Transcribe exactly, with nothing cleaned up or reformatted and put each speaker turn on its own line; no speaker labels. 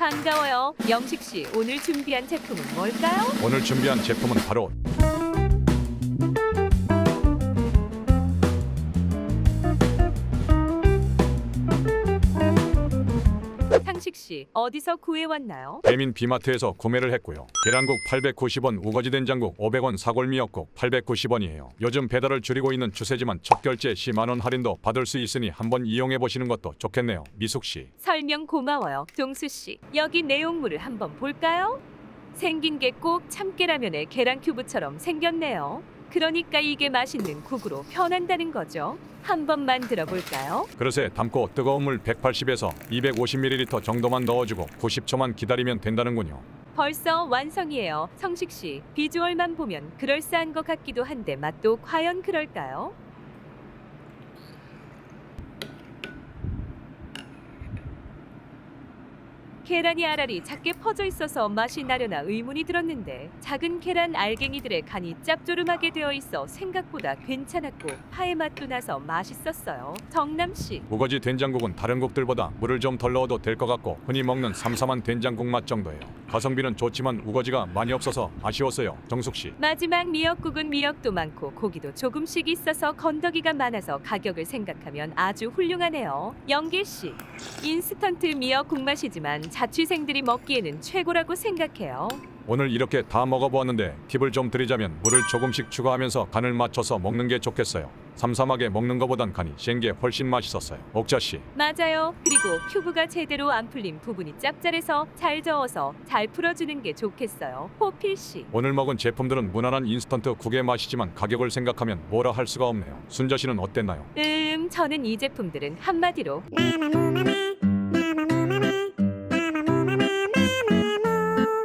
반가워요. 영식 씨, 오늘 준비한 제품은 뭘까요?
오늘 준비한 제품은 바로
상식 씨, 어디서 구해왔나요?
배민 비마트에서 구매를 했고요. 계란국 팔백구십 원, 우거지 된장국 오백 원, 사골미역국 팔백구십 원이에요. 요즘 배달을 줄이고 있는 추세지만 첫 결제 시 만 원 할인도 받을 수 있으니 한번 이용해 보시는 것도 좋겠네요. 미숙 씨.
설명 고마워요. 종수 씨, 여기 내용물을 한번 볼까요? 생긴 게 꼭 참깨라면의 계란 큐브처럼 생겼네요. 그러니까 이게 맛있는 국으로 변한다는 거죠. 한번 만들어 볼까요?
그릇에 담고 뜨거운 물 백팔십에서 이백오십 밀리리터 정도만 넣어주고 구십 초만 기다리면 된다는군요.
벌써 완성이에요. 성식 씨, 비주얼만 보면 그럴싸한 것 같기도 한데 맛도 과연 그럴까요? 계란이 알알이 작게 퍼져 있어서 맛이 나려나 의문이 들었는데 작은 계란 알갱이들의 간이 짭조름하게 되어 있어 생각보다 괜찮았고 파의 맛도 나서 맛있었어요. 정남 씨,
우거지 된장국은 다른 국들보다 물을 좀 덜 넣어도 될 것 같고 흔히 먹는 삼삼한 된장국 맛 정도예요. 가성비는 좋지만 우거지가 많이 없어서 아쉬웠어요. 정숙 씨.
마지막 미역국은 미역도 많고 고기도 조금씩 있어서 건더기가 많아서 가격을 생각하면 아주 훌륭하네요. 영길 씨, 인스턴트 미역국 맛이지만 자취생들이 먹기에는 최고라고 생각해요.
오늘 이렇게 다 먹어보았는데 팁을 좀 드리자면 물을 조금씩 추가하면서 간을 맞춰서 먹는 게 좋겠어요. 삼삼하게 먹는 것보단 간이 센 게 훨씬 맛있었어요. 옥자 씨.
맞아요. 그리고 큐브가 제대로 안 풀린 부분이 짭짤해서 잘 저어서 잘 풀어주는 게 좋겠어요. 호필 씨.
오늘 먹은 제품들은 무난한 인스턴트 국의 맛이지만 가격을 생각하면 뭐라 할 수가 없네요. 순자 씨는 어땠나요?
음, 저는 이 제품들은 한마디로
마마무마마